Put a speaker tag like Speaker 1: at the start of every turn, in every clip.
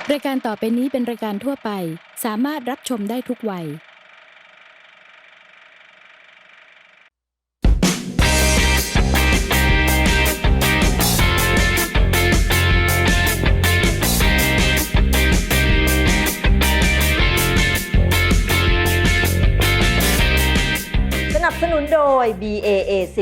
Speaker 1: รายการต่อไปนี้เป็นรายการทั่วไปสามารถรับชมได้ทุกวัย
Speaker 2: สนับสนุนโดย BAAC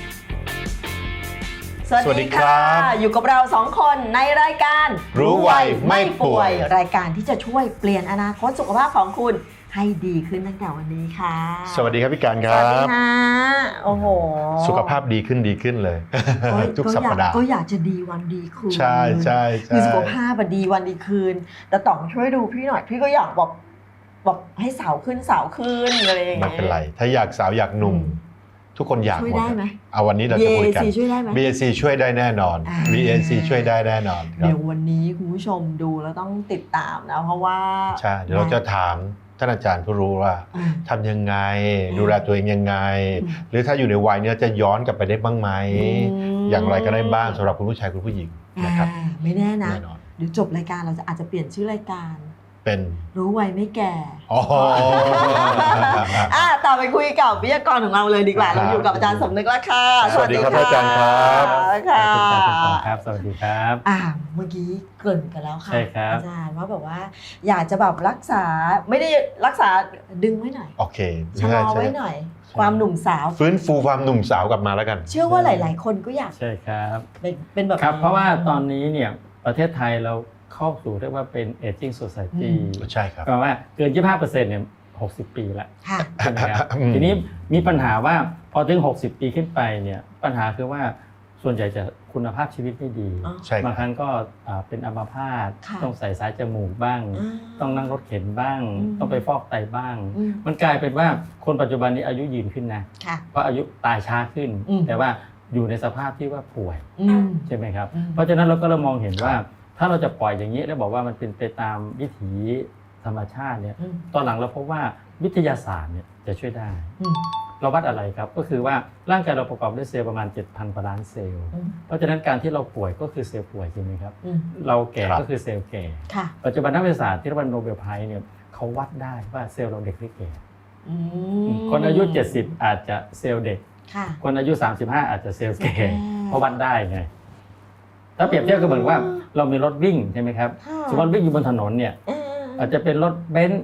Speaker 2: สวัสดีค่ะอยู่กับเรา2คนในรายการ
Speaker 3: รู้ไวไม่ป่วย
Speaker 2: รายการที่จะช่วยเปลี่ยนอนาคตสุขภาพของคุณให้ดีขึ้นตั้งแต่วันนี้ค่ะ
Speaker 3: สวัสดีครับพี่การค
Speaker 2: ส
Speaker 3: รับ
Speaker 2: วัสดีค่ะโอ้โห
Speaker 3: สุขภาพดีขึ้นเลย ทุกสัปดาห์
Speaker 2: ก็อยากจะดีวันดีคืน
Speaker 3: ใช่
Speaker 2: คือสุขภาพดีวันดีคืนแต่ต่องช่วยดูพี่หน่อยพี่ก็อยากบอกให้สาวขึ้นอะไรอย่างเงี้ย
Speaker 3: ไม่เป็นไรถ้าอยากสาวอยากหนุ่มทุกคนอยากหมด
Speaker 2: ช่วยได้ไหม
Speaker 3: เอาวันนี้เราจะคุยกัน
Speaker 2: BAC ช่วยได้ไหม
Speaker 3: BAC ช่วยได้แน่นอน BAC ช่วยได้แน่นอนครับ
Speaker 2: เดี๋ยววันนี้คุณผู้ชมดูแล้วต้องติดตามนะเพราะว่า
Speaker 3: ใช่เดี๋ยวเราจะถามท่านอาจารย์ผู้รู้ว่าทำยังไงดูแลตัวเองยังไงหรือถ้าอยู่ในวัยนี้จะย้อนกลับไปได้บ้างไหมอย่างไรก็ได้บ้างสำหรับคุณผู้ชายคุณผู้หญิงนะครับ
Speaker 2: ไม่แน่นะเดี๋ยวจบรายการเราจะอาจจะเปลี่ยนชื่อรายการ
Speaker 3: เป็น
Speaker 2: รู้ไวไม่แก่
Speaker 3: อ๋อ
Speaker 2: ต่อไปคุยกับวิทยากรของเราเลยดีกว่าเราอยู่กับอาจารย์สมนึกแล้วค่ะ
Speaker 3: สวัสดีครับอาจารย์ครับ
Speaker 2: ค่ะ
Speaker 4: ครับสวัสดีครับ
Speaker 2: เมื่อกี้เกริ่นกันแล้วค่ะ
Speaker 4: ใช่ครับ
Speaker 2: อาจารย์ว่าแบบว่าอยากจะแบบรักษาไม่ได้รักษาดึงไว้หน่อย
Speaker 3: โอเค
Speaker 2: ชะลอไว้หน่อยความหนุ่มสาว
Speaker 3: ฟื้นฟูความหนุ่มสาวกลับมาแล้วกัน
Speaker 2: เชื่อว่าหลายๆคนก็อยาก
Speaker 4: ใช่ครับ
Speaker 2: เป็นแบบ
Speaker 4: ครับเพราะว่าตอนนี้เนี่ยประเทศไทยเราเข้าสู่เรียกว่าเป็น aging society
Speaker 3: ใช่ครับ
Speaker 4: แปลว่าเกิน 25% เนี่ย60 ปีละใช่ไหมครับทีนี้มีปัญหาว่าพอถึง60 ปีขึ้นไปเนี่ยปัญหาคือว่าส่วนใหญ่จะคุณภาพชีวิตไม่ดีบางครั้งก็เป็นอัมพาตต้องใส่สายจมูกบ้างต้องนั่งรถเข็นบ้างต้องไปฟอกไตบ้างมันกลายเป็นว่าคนปัจจุบันนี้อายุยืนขึ้นนะเพราะอายุตายช้าขึ้นแต่ว่าอยู่ในสภาพที่ว่าป่วยใช่ไหมครับเพราะฉะนั้นเราก็มองเห็นว่าถ้าเราจะปล่อยอย่างนี้แล้วบอกว่ามันเป็นไปตามวิถีธรรมชาติเนี่ยตอนหลังเราพบว่าวิทยาศาสตร์เนี่ยจะช่วยได้เราวัดอะไรครับก็คือว่าร่างกายเราประกอบด้วยเซลล์ประมาณ 7,000 กว่าล้านเซลล์เพราะฉะนั้นการที่เราป่วยก็คือเซลล์ป่วยใช่ไหมครับเราแก่ก็คือเซลล์แก่ปัจจุบันนักวิทยาศาสตร์ที่เรียกว่าโนเบลไพรส์เนี่ยเขาวัดได้ว่าเซลล์เราเด็กหรือแก่คนอายุ70อาจจะเซลล์เด็กคนอายุ35อาจจะเซลล์แก่เพราะวัดได้ไงถ้าเปรียบเทียบก็เหมือนว่าเรามีรถวิ่งใช่ไหมครับสมมติวิ่งอยู่บนถนนเนี่ยอาจจะเป็นรถเบนซ์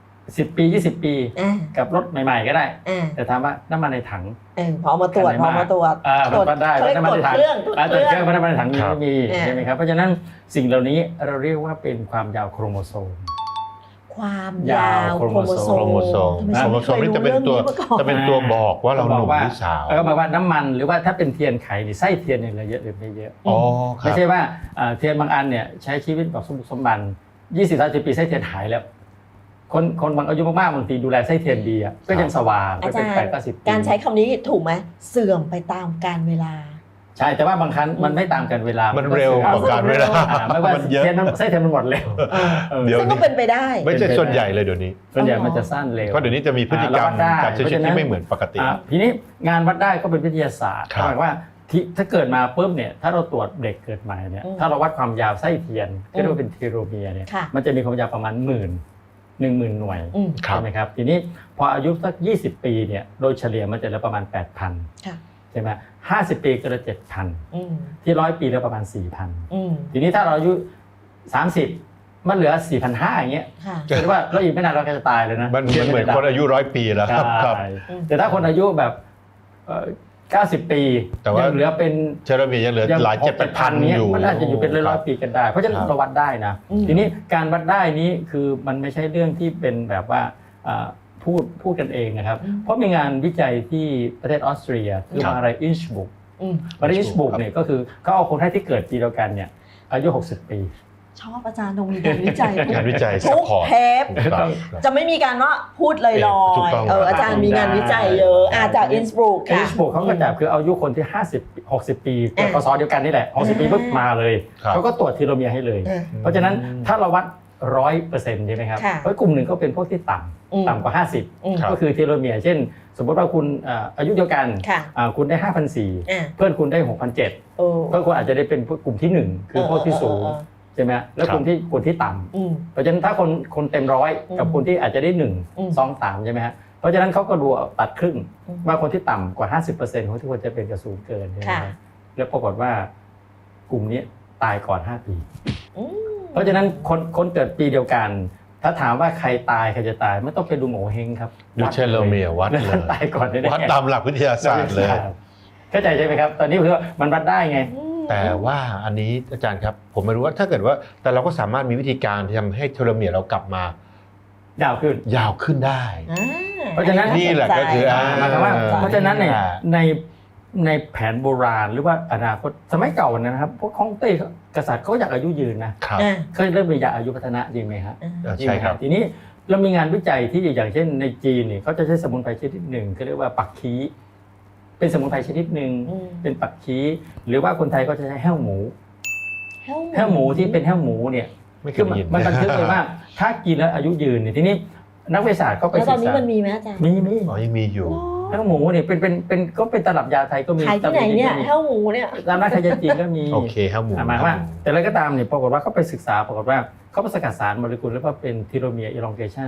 Speaker 4: 10 ปี20 ปีกับรถใหม่ๆก็ได้แต่ถามว่าน้ำมันในถัง
Speaker 2: พอมาตรวจ
Speaker 4: วัดได้น้ำมันในถังแต่เครื่องน้ำมันในถังไม่มีใช่ไหมครับเพราะฉะนั้นสิ่งเหล่านี้เราเรียกว่าเป็นความยาวโครโมโซม
Speaker 2: ความยาวโครโมโซม
Speaker 3: นี่จะเป็นตัวบอกว่าเราหนุ่มหรือสาว
Speaker 4: ก็หมายว่าน้ำมันหรือว่าถ้าเป็นเทียนไขหรือไส้เทียนเนี่ยเราเยอะหรือไม่เยอะไม่ใช่ว่าเทียนบางอันเนี่ยใช้ชีวิตแบบสมบัน20-30 ปีไส้เทียนหายแล้วคนบางอายุมากๆบางทีดูแลไส้เทียนดีก็ยังสว่าง
Speaker 2: ไปเป็น80 ปีการใช้คำนี้ถูกไหมเสื่อมไปตามกาลเวลา
Speaker 4: ใช่แต่ว่าบางครั้งมันไม่ตามกันเวลา
Speaker 3: มันเร็วกว่าการเวลา
Speaker 4: ไม่ว่าเทียนไส้เทียนมันหมดเร็ว
Speaker 2: ซึ่งก็เป็นไปได้
Speaker 3: ไม่ใช่ส่วนใหญ่เลยเดี๋ยวนี้
Speaker 4: ส่วนใหญ่มันจะสั้นเร็ว
Speaker 3: เพราะเดี๋ยวนี้จะมีพฤติกรรมการใช้ชีวิตที่ไม่เหมือนปกติ
Speaker 4: ทีนี้งานวัดได้ก็เป็นวิทยาศาสตร์หมายว่าถ้าเกิดมาปุ๊บเนี่ยถ้าเราตรวจเด็กเกิดใหม่เนี่ยถ้าเราวัดความยาวไส้เทียนก็เรียกว่าเป็นเทโลเมียร์เนี่ยมันจะมีความยาวประมาณ10,000 หน่วยใช่ไหมครับทีนี้พออายุสัก20 ปีเนี่ยโดยเฉลี่ยมันจะเหลือประมาณ 8,000 ใช่ไหม50 ปีก็เหลือ 7,000 ที่100 ปีเหลือประมาณ 4,000 ทีนี้ถ้าเราอายุ30มันเหลือ 4,500 อย่างเงี้ยคือว่าเราอีกไม่นานเราก็จะตายเลยนะ
Speaker 3: มันเหมือนคนอายุ100 ปีแล้วครับ
Speaker 4: แต่ถ้าคนอายุแบบ90 ปี
Speaker 3: แต่ว่า
Speaker 4: เหลือเป็น
Speaker 3: เชอร์มียังเหลือหลาย7,000
Speaker 4: อยู่มันอาจจะอยู่เป็นร้อยปีกันได้เพราะฉะนั้นเราวัดได้นะทีนี้การวัดได้นี้คือมันไม่ใช่เรื่องที่เป็นแบบว่าพูดกันเองนะครับเพราะมีงานวิจัยที่ประเทศออสเตรียคือมหาลัยอินชบุกเนี่ยก็คือเขาเอาคนไข้ที่เกิดปีเดียวกันเนี่ยอายุ60 ปี
Speaker 2: ชอบอาจารย์ตรงมีการวิจัย
Speaker 3: ทุก
Speaker 2: เทปจะไม่มีการว่าพูดลอยๆอาจารย์มีงานวิจัยเยอะจากอินสบรูกค่ะ
Speaker 4: อินสบรูกเขาก็จับคืออายุคนที่50-60 ปีเกิดพศเดียวกันนี่แหละ60 ปีปุ๊บมาเลยเขาก็ตรวจทีโลเมียร์ให้เลยเพราะฉะนั้นถ้าเราวัด100%ใช่ไหมครับเพราะกลุ่มหนึ่งก็เป็นพวกที่ต่ำกว่า50ก็คือเทโลเมียร์เช่นสมมติว่าคุณอายุเดียวกันคุณได้ 5,400 เพื่อนคุณได้ 6,700 เพื่อนคุณอาจจะได้เป็นกลุ่มที่1คือพวกที่สูงใช่ไหมแล้วคนที่ต่ำเพราะฉะนั้นถ้าคนเต็มร้อยกับคนที่อาจจะได้1 2 3ใช่ไหมฮะเพราะฉะนั้นเขาก็ดูตัดครึ่งว่าคนที่ต่ำกว่า 50% ของที่ควรจะเป็นกระสูงเกินใช่ไหมแล้วปรากฏว่ากลุ่มนี้ตายก่อน5 ปีเพราะฉะนั้นคนเกิดปีเดียวกันถ้าถามว่าใครตายใครจะตายไม่ต้องไปดูโงเฮงครับ
Speaker 3: ดูเชลโลเมียวัดเลย
Speaker 4: ตายก่อนได้
Speaker 3: วัดตามหลักวิทยาศาสตร์เลย
Speaker 4: เข้าใจใช่ไหมครับตอนนี้คือมันวัดได้ไง
Speaker 3: แต่ว่าอันนี้อาจารย์ครับผมไม่รู้ว่าถ้าเกิดว่าแต่เราก็สามารถมีวิธีการที่ทำให้เทโลเมียร์เรากลับมายาวขึ้นได้
Speaker 4: เพราะฉะนั้น
Speaker 3: นี่แหละก็คือ
Speaker 4: หมายความว่าเพราะฉะนั้นในแผนโบราณหรือว่าอนาคตสมัยเก่านะครับพวกฮ่องเต้กษัตริย์เขาอยากอายุยืนนะเขาเริ่มมียาอายุพัฒนะจริงไหมครับ
Speaker 3: ใช่ครับ
Speaker 4: ทีนี้เรามีงานวิจัยที่อย่างเช่นในจีนเนี่ยเขาจะใช้สมุนไพรชนิดหนึ่งเขาเรียกว่าปักคีเป็นสมุนไพรชนิดหนึ่งเป็นปักคีหรือว่าคนไทยก็จะใช้แห้วหมูที่เป็นแห้วหมูเนี่ยคือมันบันทึกเลยว่าถ้ากินแล้วอายุยืนเนี่ยทีนี้นักวิทยาศาสตร์ก็ไปศึกษาแล้วตอนนี้
Speaker 2: มันมีไหมอาจารย์
Speaker 4: มี
Speaker 3: ยังมีอยู่
Speaker 4: แห้วหมูเนี่ยเป็นก็เป็นตลับยาไทยก็มี
Speaker 2: ขายที่ไหนเนี่ยแห้วหมูเนี่ย
Speaker 4: ตามร้านขายยาจีนก็มี
Speaker 3: โอเคแห้วหมู
Speaker 4: หมายว่าแต่อะไรก็ตามเนี่ยปรากฏว่าเขาไปศึกษาปรากฏว่าเขาไปสกัดสารโมเลกุลแล้วก็เป็นทีโลเมียร์ elongation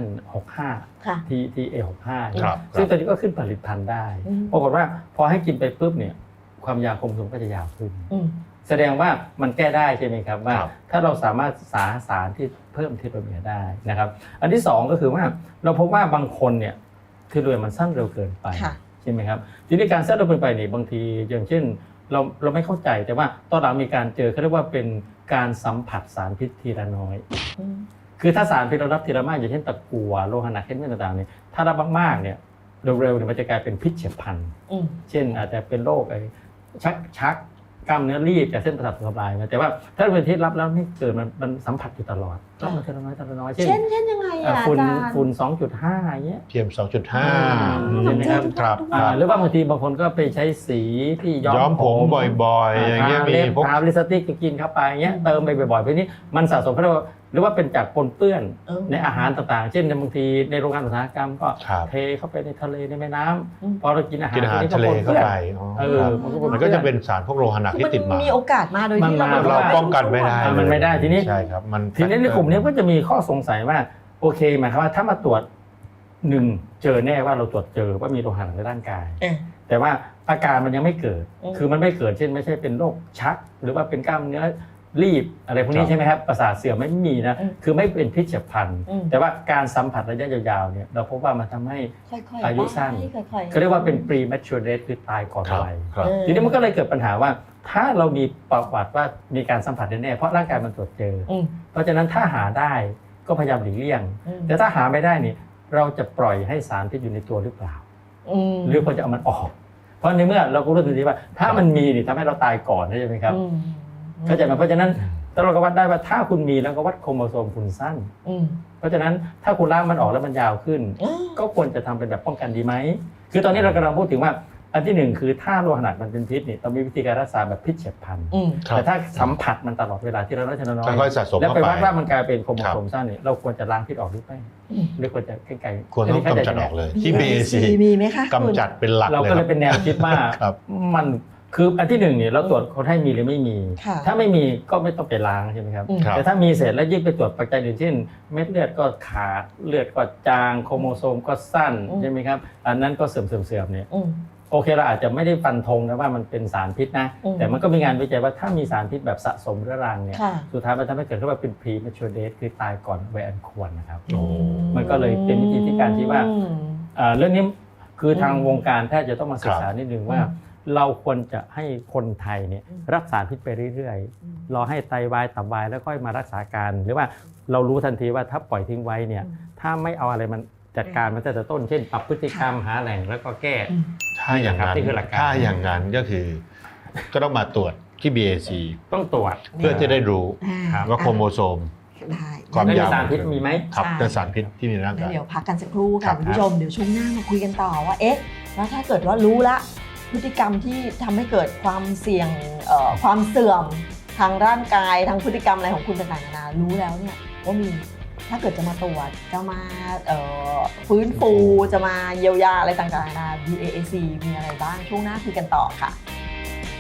Speaker 4: 65 TA65 ซึ่งตอนนี้ก็ขึ้นผลิตภัณฑ์ได้ปรากฏว่าพอให้กินไปปุ๊บเนี่ยความยาวโครโมโซมก็จะยาวขึ้นแสดงว่ามันแก้ได้ใช่ไหมครับว่าถ้าเราสามารถสารที่เพิ่มทีโลเมียร์ได้นะครับอันที่2ก็คือว่าเราพบว่าบางคนเนี่ยทีโลเมียร์มันสั้นเร็วเกินไปใช่ไหมครับทีนี้การสั้นเร็วเกินไปเนี่ยบางทีอย่างเช่นเราไม่เข้าใจแต่ว่าตอนหลังมีการเจอเขาเรียกว่าเป็นการสัมผัสสารพิษทีละน้อยคือถ้าสารพิษเรารับทีละมากอย่างเช่นตะกั่วโลหะหนักเช่นต่างๆเนี่ยถ้ารับมากๆเนี่ยเร็วๆเนี่ยมันจะกลายเป็นพิษเฉียบพลันเช่นอาจจะเป็นโรคชักกล้ามเนื้อรีบจากเส้นประสาทถูกทำลายนะแต่ว่าถ้าเป็นที่รับแล้วไม่เกิดมันสัมผัสอยู่ตลอดรับมาทีละน้อยเช่น
Speaker 2: ยังไงอาจารย์
Speaker 4: ฝุ่น 2.5 อย่างเงี้ย
Speaker 3: PM 2.5
Speaker 4: ใช่ไหมครับหรือว่าบางทีบางคนก็ไปใช้สีที่ย้อมผม
Speaker 3: บ่อยๆอย่างเงี้ยมีพวก
Speaker 4: ลิปสติกกินเข้าไปเงี้ยเติมไปบ่อยๆเพราะนี้มันสะสมหรือว่าเป็นจากปนเปื้อนในอาหารต่างๆเช่นบางทีในโรงงานอุตสาหกรรมก็เทเข้าไปในทะเลในแม่น้ำพอเรากินอาหาร
Speaker 3: ทะเลเข้าไปมันก็จะเป็นสารพวกโลหะหนักที่ติดมา
Speaker 2: มีโอกาสมาโดยที่
Speaker 3: เราป้องกันไม่ได้
Speaker 4: มันไม่ได้ทีนี้
Speaker 3: ใช่ครับ
Speaker 4: ทีนี้ในกลุ่มนี้ก็จะมีข้อสงสัยว่าโอเคหมายความว่าถ้ามาตรวจ1เจอแน่ว่าเราตรวจเจอว่ามีโลหะในร่างกายแต่ว่าอาการมันยังไม่เกิดคือมันไม่เกิดเช่นไม่ใช่เป็นโรคชักหรือว่าเป็นกล้ามเนื้อรีบอะไรพวกนี้ใช่ไหมครับประสาทเสื่อมไม่มีนะคือไม่เป็นพิษเฉียบพลันแต่ว่าการสัมผัสระยะยาวๆเนี่ยเราพบว่ามันทำให้อายุสั้นเขาเรียกว่าเป็น premature death คือตายก่อนวัยทีนี้มันก็เลยเกิดปัญหาว่าถ้าเรามีประวัติว่ามีการสัมผัสแน่ๆเพราะร่างกายมันตรวจเจอเพราะฉะนั้นถ้าหาได้ก็พยายามหลีกเลี่ยงแต่ถ้าหาไม่ได้นี่เราจะปล่อยให้สารพิษอยู่ในตัวหรือเปล่าหรือควรจะเอามันออกเพราะในเมื่อเราก็รู้ทันทีว่าถ้ามันมีนี่ทำให้เราตายก่อนใช่ไหมครับเข้าใจไหมเพราะฉะนั้นเราก็วัดได้ว่าถ้าคุณมีแล้วก็วัดโครโมโซมคุณสั้นเพราะฉะนั้นถ้าคุณล้างมันออกแล้วมันยาวขึ้นก็ควรจะทำเป็นแบบป้องกันดีไหมคือตอนนี้เรากำลังพูดถึงว่าอันที่1คือถ้าโลหะหนักมันเป็นพิษนี่ต้องมีวิธีการรักษาแบบพิษเฉียบพลันแต่ถ้าสัมผัสมันตลอดเวลาที่เราได้ชนะน้อยแล้วไปวัดว่ามันกลายเป็นโครโมโซมสั้นนี่เราควรจะล้างพิษออกหรือไม่หรือควรจะไกล
Speaker 3: ๆควรต้องกำจัดออกเลยที่ BAC
Speaker 2: มีไหมคะ
Speaker 3: กำจัดเป็นหลัก
Speaker 4: เราก็เลยเป็นแนวคิดว่ามันคืออันที่1เนี่ยเราตรวจคนให้มีหรือไม่มีถ้าไม่มีก็ไม่ต้องไปล้างใช่ไหมครับแต่ถ้ามีเสร็จแล้วยิ่งไปตรวจปัจจัยอื่นเช่นเม็ดเลือดก็ขาดเลือดก็จางโครโมโซมก็สั้นใช่ไหมครับอันนั้นก็เสื่อมเนี่ยโอเคเราอาจจะไม่ได้ฟันธงนะว่ามันเป็นสารพิษนะแต่มันก็มีงานวิจัยว่าถ้ามีสารพิษแบบสะสมเรื้อรังเนี่ยสุดท้ายมันทำให้เกิดขึ้นว่าเป็น premature death คือตายก่อนวัยอันควรนะครับมันก็เลยเป็นวิธีที่การที่ว่าเรื่องนี้คือทางวงการแพทย์จะต้องมาศึกษานิดนึงว่าเราควรจะให้คนไทยเนี่ยรับสารพิษไปเรื่อยๆรอให้ไตวายตับวายแล้วค่อยมารักษาการหรือว่าเรารู้ทันทีว่าถ้าปล่อยทิ้งไว้เนี่ยถ้าไม่เอาอะไรมันจัดการมันแต่ต้นเช่นปรับพฤติกรรมหาแหล่งแล้วก็แก้
Speaker 3: ถ้าอย่างนั้นก็คือก็ต้องมาตรวจที่ BAC
Speaker 4: ต้องตรวจ
Speaker 3: เพื่อจะได้รู้ว่าโครโมโซมความยาว
Speaker 4: สารพิษมีไหม
Speaker 3: ครับเป็นสารพิษที่มีในร่างกาย
Speaker 2: เดี๋ยวพักกันสักครู่ค่ะคุณผู้ชมเดี๋ยวช่วงหน้ามาคุยกันต่อว่าแล้วถ้าเกิดว่ารู้ละพฤติกรรมที่ทำให้เกิดความเสี่ยงความเสื่อมทางร่างกายทางพฤติกรรมอะไรของคุณต่างๆนานารู้แล้วเนี่ยว่ามีถ้าเกิดจะมาตรวจจะมาฟื้นฟูจะมาเยียวยาอะไรต่างๆนานา BAC มีอะไรบ้างช่วงหน้าคุยกันต่อค่ะ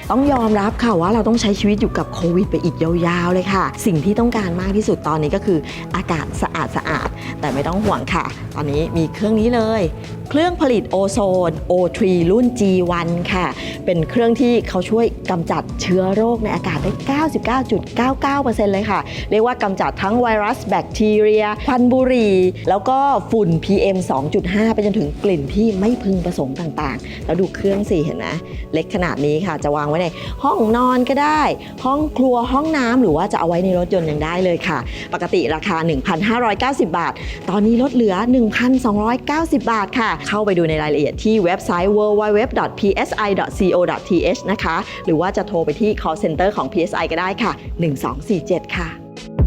Speaker 2: ต้องยอมรับค่ะว่าเราต้องใช้ชีวิตอยู่กับโควิดไปอีกยาวๆเลยค่ะสิ่งที่ต้องการมากที่สุดตอนนี้ก็คืออากาศสะอาดแต่ไม่ต้องห่วงค่ะตอนนี้มีเครื่องนี้เลยเครื่องผลิตโอโซน O3 รุ่น G1 ค่ะเป็นเครื่องที่เขาช่วยกำจัดเชื้อโรคในอากาศได้ 99.99% เลยค่ะเรียกว่ากำจัดทั้งไวรัสแบคทีเรียควันบุหรี่แล้วก็ฝุ่น PM 2.5 ไปจนถึงกลิ่นที่ไม่พึงประสงค์ต่างๆแล้วดูเครื่องสิเห็นไหมเล็กขนาดนี้ค่ะจะวางไว้ในห้องนอนก็ได้ห้องครัวห้องน้ำหรือว่าจะเอาไว้ในรถยนต์ยังได้เลยค่ะปกติราคา 1,590 บาทตอนนี้ลดเหลือ 1,290 บาทค่ะเข้าไปดูในรายละเอียดที่เว็บไซต์ www.psi.co.th นะคะหรือว่าจะโทรไปที่ call center ของ PSI ก็ได้ค่ะ 1247 ค่ะ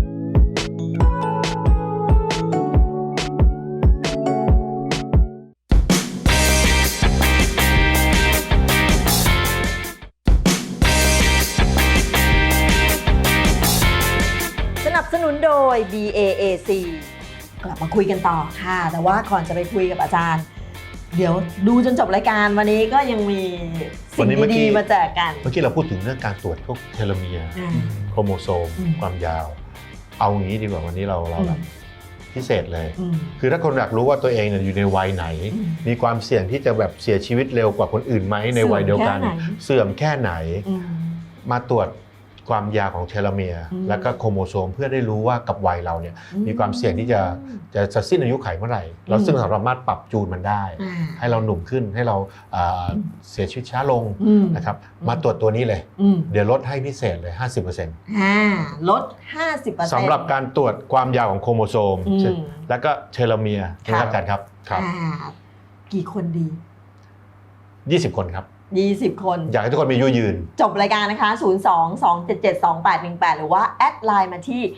Speaker 2: สนับสนุนโดย BAAC กลับมาคุยกันต่อค่ะแต่ว่าก่อนจะไปคุยกับอาจารย์เดี๋ยวดูจนจบรายการวันนี้ก็ยังมีสิ่งดีๆมาแจกกัน
Speaker 3: เมื่อกี้เราพูดถึงเรื่องการตรวจพวกเทโลเมียร์โครโมโซมความยาวเอางี้ดีกว่าวันนี้เราแบบพิเศษเลยคือถ้าคนอยากรู้ว่าตัวเองอยู่ในวัยไหนมีความเสี่ยงที่จะแบบเสียชีวิตเร็วกว่าคนอื่นไหมในวัยเดียวกันเสื่อมแค่ไหนมาตรวจความยาวของเทโลเมียร์และก็โครโมโซมเพื่อได้รู้ว่ากับวัยเราเนี่ยมีความเสี่ยงที่จะสิ้นอายุไขเมื่อไหร่เราซึ่งเราสามารถปรับจูนมันได้ให้เราหนุ่มขึ้นให้เราเสียชีวิตช้าลงนะครับมาตรวจตัวนี้เลยเดี๋ยวลดให้พิเศษเลย 50%
Speaker 2: ลด 50%
Speaker 3: สำหรับการตรวจความยาวของโครโมโซมแล้วก็เทโลเมียร์นะครับอาจารย์ครับ
Speaker 2: กี่คนดี
Speaker 3: 20 คนครับ
Speaker 2: 20 คน
Speaker 3: อยากให้ทุกคนมีอายุยืน
Speaker 2: จบรายการนะคะ02-277-2818หรือว่าแอดไลน์มาที่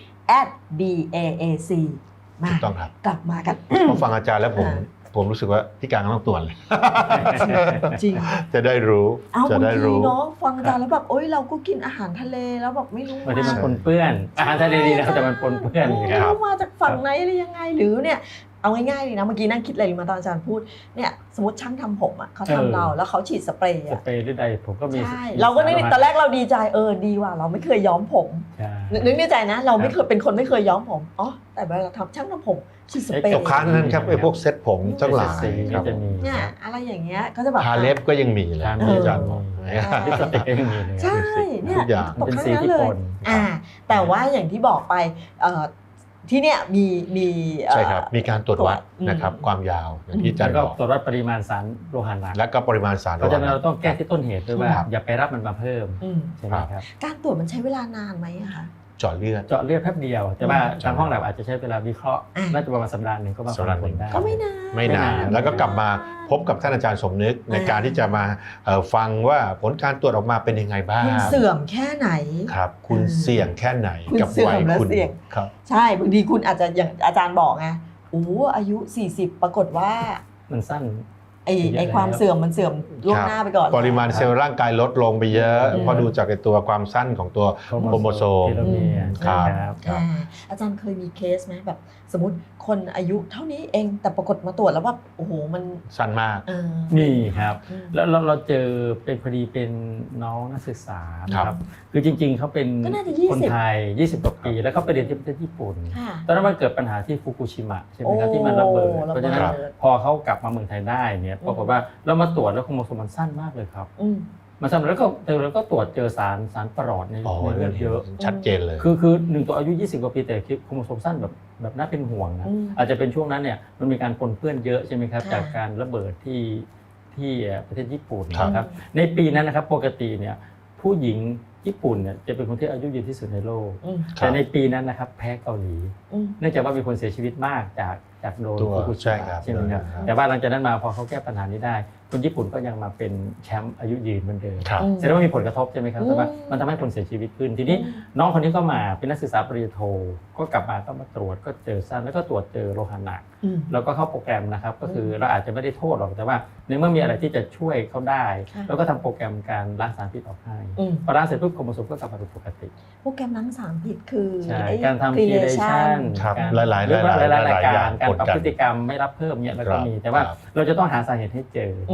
Speaker 2: @BAAC
Speaker 3: ถูกต้องครับ
Speaker 2: กลับมากัน
Speaker 3: พอฟังอาจารย์แล้วผมรู้สึกว่าพี่การต้องตรวจเลย
Speaker 2: จริง
Speaker 3: จะได้รู้
Speaker 2: จะได้รู้เนาะฟังอาจารย์แล้วแบบเราก็กินอาหารทะเลแล้วแบบไม่รู้
Speaker 4: ว่ามันปนเปื้อนอาหารทะเลดีนะแต่มันปนเปื้อน
Speaker 2: ครับมาจากฝั่งไหนหรือยังไงหรือเนี่ยเอาง่ายๆเลยนะเมื่อกี้นั่งคิดอะไรมาตอนอาจารย์พูดเนี่ยสมมติช่างทำผมอ่ะเขาทำเราแล้วเขาฉีดสเปรย์
Speaker 4: หรือใดผมก็มี
Speaker 2: ใช่เราก็นึกตอนแรกเราดีใจดีว่ะเราไม่เคยย้อมผมนึกในใจนะเราไม่เคยเป็นคนไม่เคยย้อมผมแต่เวลาทำช่างทำผมฉีดสเปรย์
Speaker 3: กับค้านนั้นครับพวกเซ็ตผมทั้งหลาย
Speaker 4: ครับ
Speaker 2: เนี่ยอะไรอย่างเงี้ยก็จะแบบ
Speaker 3: ทาเล็บก็ยังมีเลยอาจารย์บอก
Speaker 2: ใช่เนี่ย
Speaker 4: เป็นสีที่ปน
Speaker 2: แต่ว่าอย่างที่บอกไปที่เนี่ยมี
Speaker 3: ใช่ครับมีการตรวจวัดนะครับความยาวอย่างที่อาจารย์บอก
Speaker 4: ตรวจวัดปริมาณสารโลหะหนัก
Speaker 3: และก็ปริมาณสาร
Speaker 4: เพราะฉะนั้นเราต้องแก้ที่ต้นเหตุด้วยว่าอย่าไปรับมันมาเพิ่มใช่ไหมครับ
Speaker 2: การตรวจมันใช้เวลานานไหมคะ
Speaker 3: เจาะเลือด
Speaker 4: แป๊บเดียวแต่ว่าทางห้องแลบอาจจะใช้เวลาวิเคราะห์น่าจะประมาณสัปดาห์นึงก็มาประมวลได้
Speaker 2: ก็ไม่
Speaker 3: นานแล้วก็กลับมาพบกับท่านอาจารย์สมนึกในการที่จะมาฟังว่าผลการตรวจออกมาเป็นยังไงบ้าง
Speaker 2: คุณเสื่อมแค่ไหน
Speaker 3: ครับคุณเสี่ยงแค่ไหนกับวัยคุณ
Speaker 2: ครับใช่บางทีคุณอาจจะอย่างอาจารย์บอกไงอายุ40ปรากฏว่า
Speaker 4: มันสั้น
Speaker 2: ไอความเสื่อมมันเสื่อมล่วงหน้าไปก่อน
Speaker 3: ปริมาณเซลล์ร่างกายลดลงไปเยอะพอดูจากตัวความสั้นของตัวโครโมโซม
Speaker 4: ครับ
Speaker 2: อาจารย์เคยมีเคสไหมแบบสมมติคนอายุเท่านี้เองแต่ปรากฏมาตรวจแล้วว่าโอ้โหมัน
Speaker 3: สั้นมาก
Speaker 4: นี่ครับแล้วเราเจอเป็นพอดีเป็นน้องนักศึกษาครับคือจริงๆเขาเป็นคนไทย20 กว่าปีแล้วเขาไปเรียนที่ประเทศญี่ปุ่นตอนนั้นมันเกิดปัญหาที่ฟุกุชิมะใช่ไหมครับที่มันระเบิดเพราะฉะนั้นพอเขากลับมาเมืองไทยได้เนี่ยปรากฏว่าเรามาตรวจแล้วโครโมโซมมันสั้นมากเลยครับมาทำแล้วก็ตรวจเจอสารปรอดในเลือดเยอะ
Speaker 3: ชัดเจนเลย
Speaker 4: คือ1ตัวอายุ20 กว่าปีแต่โครโมโซมสั้นแบบน่าเป็นห่วงนะอาจจะเป็นช่วงนั้นเนี่ยมันมีการปนเปื้อนเยอะใช่ไหมครับจากการระเบิดที่ประเทศญี่ปุ่นนะครับในปีนั้นนะครับปกติเนี่ยผู้หญิงญี่ปุ่นเนี่ยจะเป็นคนที่อายุยืนที่สุดในโลกแต่ในปีนั้นนะครับแพ้เกาหลีเนื่องจากว่ามีคนเสียชีวิตมากจากโดนฟุกุชิมะใช่ไหมครับแต่ว่าหลังจากนั้นมาพอเขาแก้ปัญหานี้ได้คนญี่ปุ่นก็ยังมาเป็นแชมป์อายุยืนเหมือนเดิมแสดงว่ามีผลกระทบใช่ไหมครับแต่ว่ามันทำให้คนเสียชีวิตขึ้นทีนี้น้องคนนี้ก็มาเป็นนักศึกษาปริญญาโทก็กลับมาก็มาตรวจก็เจอสั้นแล้วก็ตรวจเจอโลหะหนักแล้วก็เข้าโปรแกรมนะครับก็คือเราอาจจะไม่ได้โทษหรอกแต่ว่าในเมื่อมีอะไรที่จะช่วยเขาได้แล้วก็ทำโปรแกรมการล้างสารพิษออกให้พอล้างเสร็จปุ๊บโครโมโซมก็กลับมาเป็นปกติ
Speaker 2: โปรแกรมล้างสารพิษคือ
Speaker 4: การทำคีเลชั่น
Speaker 3: หลายๆ
Speaker 4: การปรับพฤติกรรมไม่รับเพิ่มเนี่ยแล้วก็มีแต่ว่าเราจะต้องหาสาเหตุให้เจอ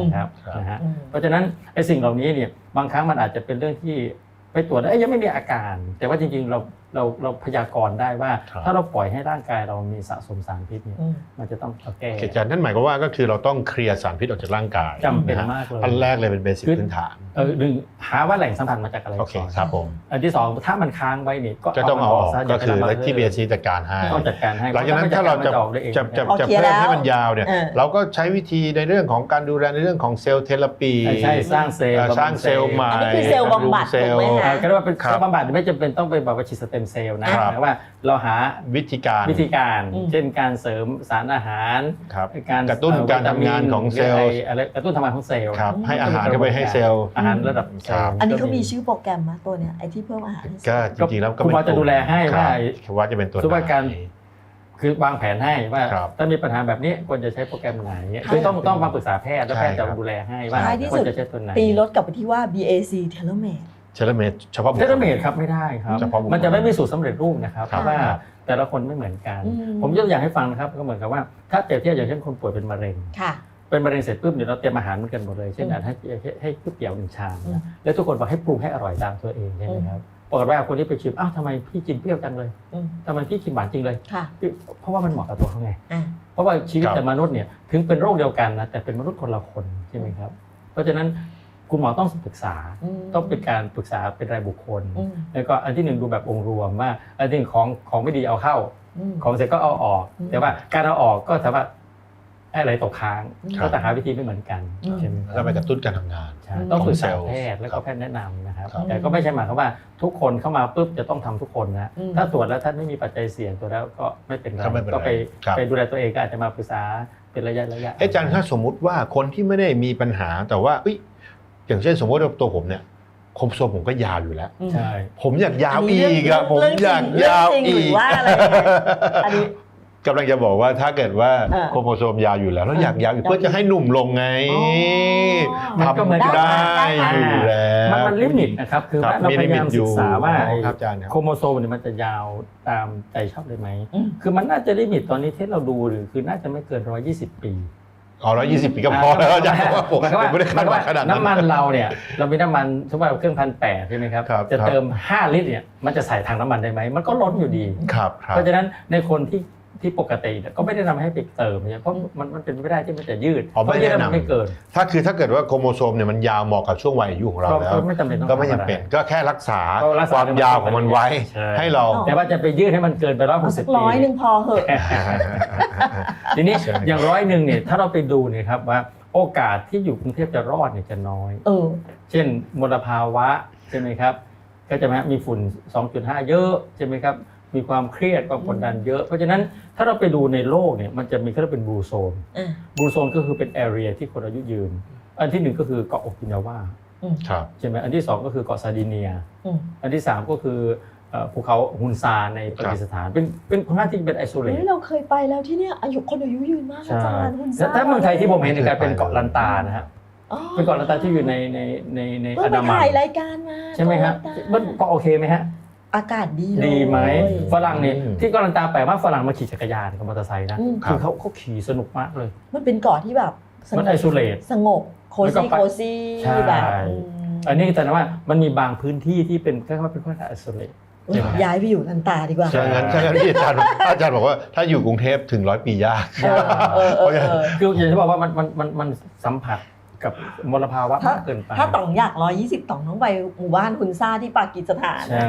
Speaker 4: นะครับ
Speaker 3: ครับ
Speaker 4: นะฮะเพราะฉะนั้นไอ้สิ่งเหล่านี้เนี่ยบางครั้งมันอาจจะเป็นเรื่องที่ไปตรวจแล้วยังไม่มีอาการ แต่ว่าจริงๆเราพยากรณ์ได้ว่า ถ้าเราปล่อยให้ร่างกายเรามีสะสมสารพิษเนี่ยมันจะต้องแก้
Speaker 3: อาจารย์นั่นหมายความว่าก็คือเราต้องเคลียร์สารพิษออกจากร่างกาย
Speaker 4: จำเป็นมากเลย
Speaker 3: อันแรกเลยเป็นเบสิกพื้นฐาน
Speaker 4: หนึ่งหาว่าแหล่งสัมผัสมาจากอะไร
Speaker 3: โอเค
Speaker 4: ก่อน
Speaker 3: ครับผม
Speaker 4: อันที่สองถ้ามันค้างไว้เนี่ย
Speaker 3: ก็ต้องเอาออก
Speaker 4: ซะ
Speaker 3: ก็คือ
Speaker 4: ย่าไป
Speaker 3: ที่ BSC จัดการให้
Speaker 4: ต้องจัดการให้
Speaker 3: หลังจากนั้นถ้าเราจะ
Speaker 4: ออกได้เอง
Speaker 3: จะ
Speaker 2: โอเค
Speaker 3: เพิ่ม
Speaker 2: แล้ว
Speaker 3: ให้มันยาวเนี่ยเราก็ใช้วิธีในเรื่องของการดูแลในเรื่องของเซลล์เทอราปี
Speaker 4: ใช่สร้างเซลล์
Speaker 3: สร้างเซลล์ใหม่
Speaker 2: อันนี้คือเซลล์บำบัด
Speaker 3: เซลล์
Speaker 2: ถูกไหมคะ
Speaker 4: ก็เรียกว่าเป็น
Speaker 3: ครับ
Speaker 4: บำบัดไม่จำเป็นต้องไปแบบว่าฉีดสเต็มเซลล์นะครับ แต่ว่าเราหา
Speaker 3: วิธีการ
Speaker 4: เช่นการเสริมสารอาหาร
Speaker 3: ครับ
Speaker 4: การ
Speaker 3: กระตุ้นการทำงานของเซลล์
Speaker 4: อะไรกระตุ้นทำงานของเซลล์
Speaker 3: ครับให้อาหารเข้าไปให้เซลล์
Speaker 4: อาหารระดับเซลล์
Speaker 2: อันนี้เขามีชื่อโปรแกรมมาตัวเนี้ยไอ้ที่เพิ่มอาหารให้เซล
Speaker 3: ก็
Speaker 2: ล์
Speaker 3: จริงๆแล้วก็
Speaker 4: คุณหมอจะดูแลให้ว่า
Speaker 3: ครับว่าจะเป็นตัว
Speaker 4: สุขภาพการ
Speaker 3: ไหน
Speaker 4: คือวางแผนให้ว่า
Speaker 3: ครับ
Speaker 4: ถ้ามีปัญหาแบบนี้ควรจะใช้โปรแกรมไหน
Speaker 2: ใช่
Speaker 4: คือต้องมาปรึกษาแพทย์แล้วแพทย์
Speaker 3: ใช่
Speaker 4: จะ
Speaker 3: ครับ
Speaker 4: ดูแลให้ว่า
Speaker 2: ท้ายที่
Speaker 4: คว
Speaker 2: สุ
Speaker 4: ร
Speaker 2: ด
Speaker 4: จะใช้ตัวไหน
Speaker 2: ตีรถกลับไปที่ว่า BAC Telomerase
Speaker 3: เชลเมตเฉพาะบุค
Speaker 4: เท
Speaker 3: ค
Speaker 4: เล
Speaker 3: ล
Speaker 4: เมดครับไม่ได้ครับ
Speaker 3: เฉพาะบุคคล
Speaker 4: มันจะไม่มีสูตรสำเร็จรูปนะครับ
Speaker 3: ครับ
Speaker 4: เพราะว่าแต่ละคนไม่เหมือนกัน
Speaker 2: อืม
Speaker 4: ผมยกตัวอย่างให้ฟังนะครับก็เหมือนกับว่าถ้าเปรียบเทียบอย่างเช่นคนป่วยเป็นมะเร็ง
Speaker 2: ค่ะ
Speaker 4: เป็นมะเร็งเสร็จปุ๊บเดี๋ยวเราเตรียมอาหารเหมือนกันหมดเลยเช่นให้ก๋วยเตี๋ยว1 ชาม
Speaker 2: อืม
Speaker 4: นะแล้วทุกคนบอกให้ปรุงให้อร่อยตามตัวเองใช่ไหมครับปรากฏว่าคนที่ไปชิมอ้าวทำไมพี่กินเปรี้ยวจังเลย
Speaker 2: อืม
Speaker 4: ทำไมพี่กินหวานจริงเลย
Speaker 2: ค่ะ
Speaker 4: เพราะว่ามันเหมาะกับตัวเขาไง
Speaker 2: อ่ะ
Speaker 4: เพราะว่าชีวิต
Speaker 3: ครับ
Speaker 4: แต่มนุษย์เนี่ยถึงเป็นโรคเดียวกันนะแต่เป็นมนุษย์คนละคนใช่ไหมครับเพราะฉะนั้นคุณหมอต้องปรึกษา ต้องเป็นการปรึกษาเป็นรายบุคคล
Speaker 2: อืม
Speaker 4: แล้วก็อันที่หนึ่งดูแบบองค์รวมว่าอันที่หนึ่งของไม่ดีเอาเข้า
Speaker 2: อืม
Speaker 4: ของเสร็จก็เอาออก
Speaker 2: อืม
Speaker 4: แต่ว่าการเอาออกก็สามารถอะไรตกค้าง
Speaker 3: ครับ
Speaker 4: ก็แต่หาวิธีไม่เหมือนกัน
Speaker 2: อืม
Speaker 4: ใช่ไหม
Speaker 3: แล้วไปกระตุ้นการทำงาน
Speaker 4: ใช่ต้องปรึกษา
Speaker 3: ของเซลล์
Speaker 4: แพทย์แล้วก็แพทย์แนะนำนะครับ
Speaker 3: ครับ
Speaker 4: แต่ก็ไม่ใช่หมายความว่าทุกคนเข้ามาปุ๊บจะต้องทำทุกคนนะ
Speaker 2: อืม
Speaker 4: ถ้าตรวจแล้วท่านไม่มีปัจจัยเสี่ยงตัวแล้วก็ไม่เป็นไร
Speaker 3: ก็ไม่เป็นไร
Speaker 4: ก็ไป
Speaker 3: ครับ
Speaker 4: ไปดูแลตัวเองก็อาจจะมาปรึกษาเป็นระยะ
Speaker 3: อาจารย์ถ้าสมมุติว่าคนที่ไม่ได้มีปัญหาแต่ว่าอย่างเช่นสมมติว่าตัวผมเนี่ยโครโมโซมผมก็ยาวอยู่แล้ว
Speaker 4: ใช่
Speaker 3: ผมอยากยาว
Speaker 2: อันนี้
Speaker 3: อีกอะผม
Speaker 2: เรื่องจริง
Speaker 3: อยากยาว
Speaker 2: เรื่องจริง
Speaker 3: อี
Speaker 2: หรื
Speaker 3: ก
Speaker 2: อว่าอะไรอันนี้
Speaker 3: กำลังจะบอกว่าถ้าเกิดว่า
Speaker 2: เออ
Speaker 3: โครโมโซมยาวอยู่แล้วแล้วอยากยาวอีกเพื่อจะให้หนุ่มลงไง
Speaker 2: อ๋อ
Speaker 4: มันก็เหมือน
Speaker 3: ทำได้
Speaker 2: ได้
Speaker 3: อยู่แล้ว
Speaker 4: มันลิมิตนะครับคือ
Speaker 3: ครับ
Speaker 4: ว่าเราพยายาม
Speaker 3: มีลิมิตอยู่
Speaker 4: ศึกษาว่า
Speaker 3: อ๋อครับอาจารย์ครับ
Speaker 4: โครโมโซมเนี่ยมันจะยาวตามใจชอบเลยไหม
Speaker 2: อืม
Speaker 4: คือมันน่าจะลิมิตตอนนี้ที่เราดูหรือคือน่าจะไม่เกิน120 ปี
Speaker 3: อ๋อ120 ปีก็พอแล้วอาจารย์ผม
Speaker 4: หมายความว่า
Speaker 3: ไม่ได้คาดหวังขนาดนั้น
Speaker 4: น้ำมันเราเนี่ยเรามีน้ำมันสมมติว่าเครื่อง1,800ใช่ไหมครับ
Speaker 3: ครับ
Speaker 4: จะเติม5 ลิตรเนี่ยมันจะใส่ถังน้ำมันได้ไหมมันก็ล้นอยู่ดี
Speaker 3: ครับครับ
Speaker 4: เพราะฉะนั้นในคนที่ปกติเนี่ยก็ไม่ได้นำให้ไปเติมเนี่ยเพราะมันเป็นไม่ได้ที่มันจะยืด
Speaker 3: อ๋อไม่
Speaker 4: เพราะยืด
Speaker 3: แนะนำ
Speaker 4: มันไม่เกิน
Speaker 3: ถ้าเกิดว่าโครโมโซมเนี่ยมันยาวเหมาะกับช่วงวัยอายุของเราแล้ว
Speaker 4: ก็ไม่จำเป็นต้อง
Speaker 3: ก็ไม่จำเป็นก็แค่รักษา
Speaker 4: ก็รักษา
Speaker 3: ความยาวของมันไว้
Speaker 4: ใช่
Speaker 3: ให้เรา
Speaker 4: แต่ว่าจะไปยืดให้มันเกินไป
Speaker 2: เอาสัก
Speaker 4: 160 ปี
Speaker 2: 100 พอเหอะ
Speaker 4: ทีนี้
Speaker 3: ใช่
Speaker 4: อย่าง100เนี่ยถ้าเราไปดูเนี่ยครับว่าโอกาสที่อยู่กรุงเทพจะรอดเนี่ยจะน้อย
Speaker 2: เออ
Speaker 4: เช่นมลภาวะใช่ไหมครับก็จะมีฝุ่น 2.5 เยอะใช่ไหมครับมีความเครียดความกดดันเยอะ เพราะฉะนั้นถ้าเราไปดูในโลกเนี่ยมันจะมีเขาเรียกเป็นบลูโซน
Speaker 2: อ่ะ
Speaker 4: บลูโซนก็คือเป็นแอเรียที่คนอายุยืนอันที่หนึ่งก็คือเกาะโอกินาวา
Speaker 3: ครับ
Speaker 4: ใช่ไหมอันที่สองก็คือเกาะซาร์ดิเนีย
Speaker 2: อืม
Speaker 4: อันที่สามก็คือภูเขาฮุนซาในปากีสถานเป็นค่อนข้างที่เป็นไอโซเล
Speaker 2: เฮ้
Speaker 4: ต
Speaker 2: ยเราเคยไปแล้วที่เนี่ยคนอายุยืนมากอา
Speaker 4: ใช่
Speaker 2: จารย์คุณ
Speaker 4: แล้วถ้าเมืองไทยที่ผมเห็นในการเป็นเกาะลันตานะฮะ
Speaker 2: อ๋อ
Speaker 4: เป็นเกาะลันตาที่อยู่ใน
Speaker 2: เพิ่งไป
Speaker 4: อันดามัน
Speaker 2: ถ่ายรายการมา
Speaker 4: ใช่ไหมครับ
Speaker 2: เกาะลันตา
Speaker 4: มันก็โอเคไหมฮะ
Speaker 2: อากาศดีเลย
Speaker 4: ดีไหมฝรั่งเนี่ย
Speaker 3: อืม
Speaker 4: ที่เกาะลันตาแปลว่าฝรั่งมาขี่จักรยานกับมอเตอร์ไซค์นะ
Speaker 2: อืม
Speaker 4: คือเขาขี่สนุกมากเลย
Speaker 2: มันเป็นเกาะที่แบบสง
Speaker 4: มัน
Speaker 2: บ
Speaker 4: ไอโซเลต
Speaker 2: สงบโค
Speaker 4: แล้วก็
Speaker 2: ซี่
Speaker 4: ไป
Speaker 2: โคซี่
Speaker 4: ใช่
Speaker 2: แบบ
Speaker 4: อันนี้แต่ว่ามันมีบางพื้นที่ที่เป็นแค่ว่าเป็นค่อนข้างไอโซเลต
Speaker 2: อืมย้ายไปอยู่ลันตาดีกว่า
Speaker 3: ใช่งั้นที่อาจารย์บอกว่าถ้าอยู่กรุงเทพถึง100 ปียาก
Speaker 2: เออ
Speaker 4: คืออย่างที่บอกว่ามันสัมผัสกับมลภาวะมากเกินไป
Speaker 2: ถ้าต่องอยาก120ต่องต้องไปหมู่บ้านคุณซ่าที่ปากีสถาน
Speaker 4: ใช่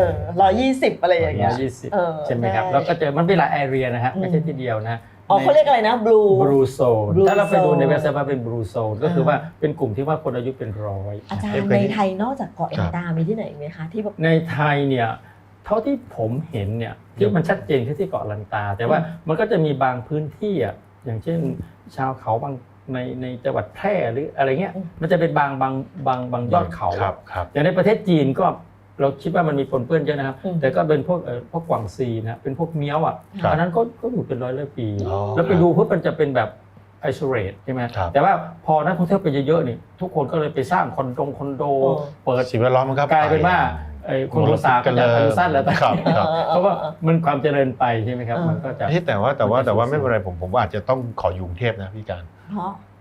Speaker 2: 120อะไรอย่างเงี้ย
Speaker 4: 120
Speaker 2: เออ
Speaker 4: ใช่ไหมครับ
Speaker 2: ใช่
Speaker 4: แล้วก็เจอมันเป็นหลายแอเรียนะฮะไม่ใช่
Speaker 2: อืม
Speaker 4: ที่เดียวนะ
Speaker 2: อ๋อเขาเรียกอะไรนะบลู
Speaker 4: บลูโซน
Speaker 2: Blue
Speaker 4: ถ้าเราไปดู
Speaker 2: Zone
Speaker 4: ในเว็บไซต์ว่าเป็นบลูโซนก็คือว่าเป็นกลุ่มที่ว่าคนอายุเป็นร้อย
Speaker 2: อาจารย์ในไทยนอกจากเกาะลันตามีที่ไหนอีกไหมคะที่แบบ
Speaker 4: ในไทยเนี่ยเท่าที่ผมเห็นเนี่ยที่มันชัดเจนที่เกาะลันตา แต่ว่ามันก็จะมีบางพื้นที่อ่ะอย่างเช่นชาวเขาบางในจังหวัดแพร่หรืออะไรเงี้ยมันจะเป็นบางยอดเขา
Speaker 3: ครับ
Speaker 4: อย่างในประเทศจีนก็เราคิดว่ามันมีปนเปื้อนเยอะนะครับ
Speaker 2: อืม
Speaker 4: แต่ก็เป็นพวกกวางซีนะเป็นพวกเมี้ยวอ่ะ
Speaker 3: ครับ
Speaker 4: อันนั้นก็อยู่เป็นร้อยปี
Speaker 3: อ๋อ
Speaker 4: แล้วไปดูปุ๊บมันจะเป็นแบบไอโซเลตใช่ไหม
Speaker 3: ครับ
Speaker 4: แต่ว่าพอนักท่องเที่ยวไปเยอะๆนี่ทุกคนก็เลยไปสร้างคอนโดเปิด
Speaker 3: สิ่งแวดล้อมมันก็
Speaker 4: กลายเป็นว่าคนโรซาก็จะอายุสั้นแล้วแต่
Speaker 3: ครับครับ
Speaker 4: เพราะว่ามันความเจริญไปใช่ไหมครับ
Speaker 2: เออ
Speaker 4: มันก็จะ
Speaker 3: แต่ว่าไม่เป็นไรผมว่าอาจจะต้องขออยู่กรุงเทพนะพี่การ
Speaker 2: เพราะ
Speaker 3: ผ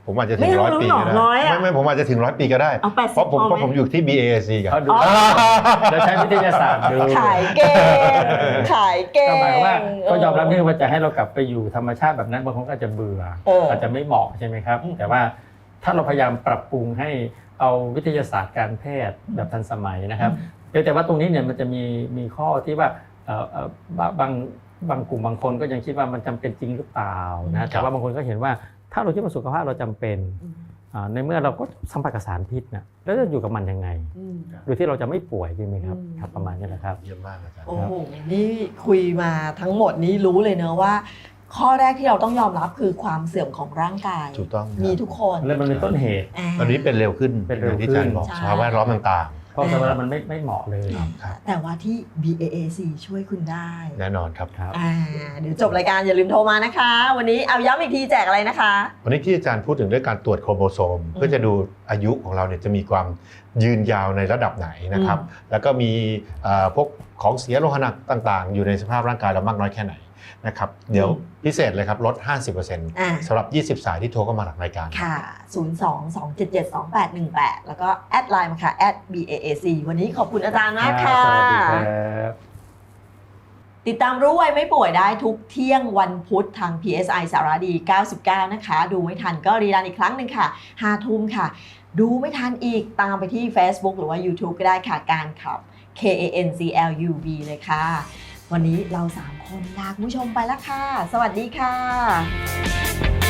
Speaker 3: ผมอาจจะถึง100 ปีก็ได้ไม่ผมอาจจะถึง100 ปีก็ได้
Speaker 2: เอา80
Speaker 3: เพราะผมอยู่ที่ BAC กัน
Speaker 4: เขาดูแล้วใช้วิทยาศาสตร์ดู
Speaker 2: ขายเก่งขายเก่ง
Speaker 4: ก็หมายว่าก็ยอมรับว่าจะให้เรากลับไปอยู่ธรรมชาติแบบนั้นบางคนก็อาจจะเบื่ออาจจะไม่เหมาะใช่ไหมครับแต่ว่าถ้าเราพยายามปรับปรุงให้เอาวิทยาศาสตร์การแพทย์แบบทันสมัยนะครับแต่ว่าตรงนี้เนี่ยมันจะมีข้อที่ว่าบางกลุ่มบางคนก็ยังคิดว่ามันจำเป็นจริงหรือเปล่านะแต่ว่าบางคนก็เห็นว่าถ้าเราคิดว่าสุขภาพเราจำเป็นในเมื่อเราก็สัมผัสกับสารพิษนะแล้วจะอยู่กับมันยังไงโดยที่เราจะไม่ป่วยใช่ไหมครับประมาณนี้แหละครับ
Speaker 3: เยี่ยมมากอาจารย์
Speaker 2: โอ้โหนี่คุยมาทั้งหมดนี้รู้เลยเนอะว่าข้อแรกที่เราต้องยอมรับคือความเสื่อมของร่างกาย
Speaker 3: ถูกต้อง
Speaker 2: มีทุกคน
Speaker 4: แล้วมันเป็นต้นเหตุ
Speaker 3: ตอนนี้เป็นเร็วขึ้นอย่างที่อาจารย์บอกสภาพแวดล้อมต่าง
Speaker 4: เพราะสภาพมันไม่เหมาะเลย
Speaker 2: แต่ว่าที่ BAAC ช่วยคุณได้
Speaker 3: แน่นอนครับ
Speaker 2: เดี๋ยวจบรายการอย่าลืมโทรมานะคะวันนี้เอาย้ำอีกทีแจกอะไรนะคะ
Speaker 3: วันนี้ที่อาจารย์พูดถึงเรื่องการตรวจโครโมโซมเพื่อจะดูอายุของเราเนี่ยจะมีความยืนยาวในระดับไหนนะครับแล้วก็มีพวกของเสียโลหะหนักต่างๆอยู่ในสภาพร่างกายเรามากน้อยแค่ไหนนะครับเดี๋ยวพิเศษเลยครับลด 50% สำหรับ20 สายที่โทรเข้ามาหลังรายการ
Speaker 2: ค่ะ02-277-2818แล้วก็แอดไลน์มาค่ะ @BAAC วันนี้ขอบคุณอาจารย์มากค่ะ
Speaker 4: สวัสดีครับ
Speaker 2: ติดตามรู้ไวไม่ป่วยได้ทุกเที่ยงวันพุธทาง PSI สารดี99นะคะดูไม่ทันก็รีรันอีกครั้งหนึ่งค่ะ 5 ทุ่มค่ะดูไม่ทันอีกตามไปที่ Facebook หรือว่า YouTube ก็ได้ค่ะการขับ KANCLUB เลยค่ะวันนี้เรา3 คนลาคุณผู้ชมไปแล้วค่ะสวัสดีค่ะ